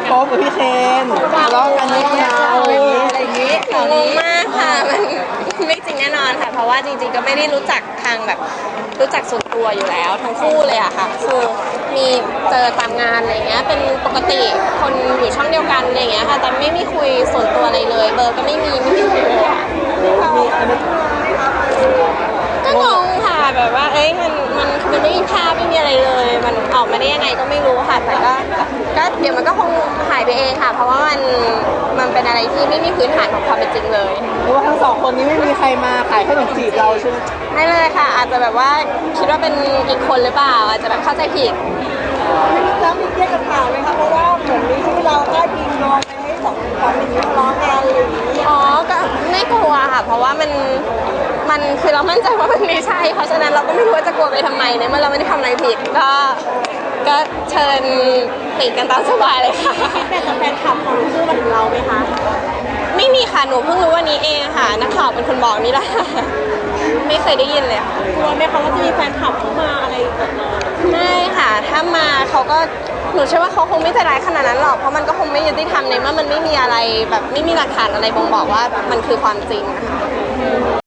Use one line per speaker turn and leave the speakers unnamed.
โป๊ปกับพี่เคนทะเลาะกันนิดเดียวอะไรอย่างนี้
งงมากค่ะมันไม่จริงแน่นอนค่ะเพราะว่าจริงๆก็ไม่ได้รู้จักทางแบบรู้จักส่วนตัวอยู่แล้วทั้งคู่เลยอะค่ะคือมีเจอตามงานอะไรเงี้ยเป็นปกติคนอยู่ช่องเดียวกันอะไรเงี้ยค่ะแต่ไม่มีคุยส่วนตัวอะไรเลยเบอร์ก็ไม่มีคุยเลยอะก็งงค่ะแบบว่าเอ้ยมันไม่มีภาพไม่มีอะไรเลยมันออกมาได้ยังไงก็ไม่รู้ค่ะแต่ก็เดี๋ยวมันก็คงหายไปเองค่ะ เพราะว่ามันเป็นอะไรที่ไม่มีพื้นฐานของความเป็นจริงเลย
หรือว่าทั้งสองคนนี้ไม่มีใครมาขายขนมจีบเราใช่ไหม
ไม่เลยค่ะอาจจะแบบว่าคิดว่าเป็นอีกคนหรือเปล่าอาจจะแบบเข้าใจผิด
ไม่มีแล้วมีเครียดกับข่าวไหมคะเพราะว่าเหมือนมีชื่อเราได้ยิงโยงไปให้สองคนนี้ทะเลาะกันอะไรอย่างนี้
อ๋อก็ไม่กลัวค่ะเพราะว่ามันคือเรามั่นใจว่ามันไม่ใช่เพราะฉะนั้นเราก็ไม่รู้ว่าจะกลัวไปทำไมเนี่ยเมื่อเราไม่ได้ทำอะไรผิดก็เชิญติกันตามสบายเลยค่ะ
แต่แฟนคลับของชื่อมาถึงเราไหมคะ
ไม่มีค่ะหนูเพิ่งรู้วันนี้เองค่ะนักข่าวเป็นคนบอกนี่แหละไม่เคยได้ยินเลยค่ะ
กลัวไหมคะว่าจะมีแฟนคลับเข้ามาอะไรแบบนี้
ไม่ค่ะถ้ามาเขาก็หนูเชื่อว่าเขาคงไม่ใจร้ายขนาดนั้นหรอกเพราะมันก็คงไม่ยุติธรรมในเมื่อมันไม่มีอะไรแบบไม่มีหลักฐานอะไรบ่งบอกว่ามันคือความจริงนะคะ